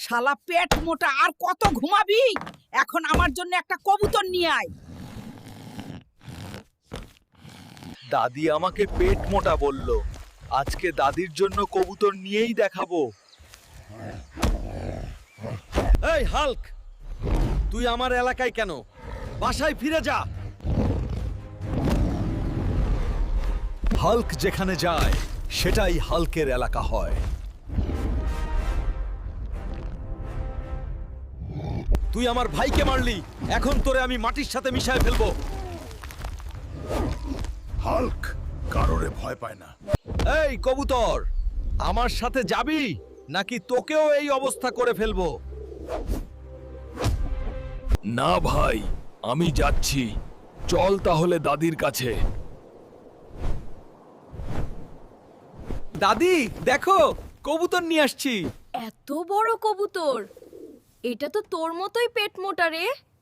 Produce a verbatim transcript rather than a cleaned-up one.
শালা পেট মোটা, আর কত ঘুমাবি? এখন আমার জন্য একটা কবুতর নিয়ে আয়। দাদি আমাকে পেট মোটা বলল, আজকে দাদির জন্য কবুতর নিয়েই দেখাবো। এই হাল্ক, তুই আমার এলাকায় কেন? বাসায় ফিরে যা। হাল্ক যেখানে যায় সেটাই হাল্কের এলাকা হয়। তুই আমার ভাইকে মারলি, এখন তোরে আমি মাটির সাথে মিশায় ফেলবো। হাল্ক কারোরে ভয় পায় না। এই কবুতর, আমার সাথে যাবি নাকি তোকেও এই অবস্থা করে ফেলবো? না ভাই, আমি যাচ্ছি। চল তাহলে দাদির কাছে। দাদি দেখো, কবুতর নিয়ে আসছি। এত বড় কবুতর! এটা তো তোর মতোই পেট মোটা রে।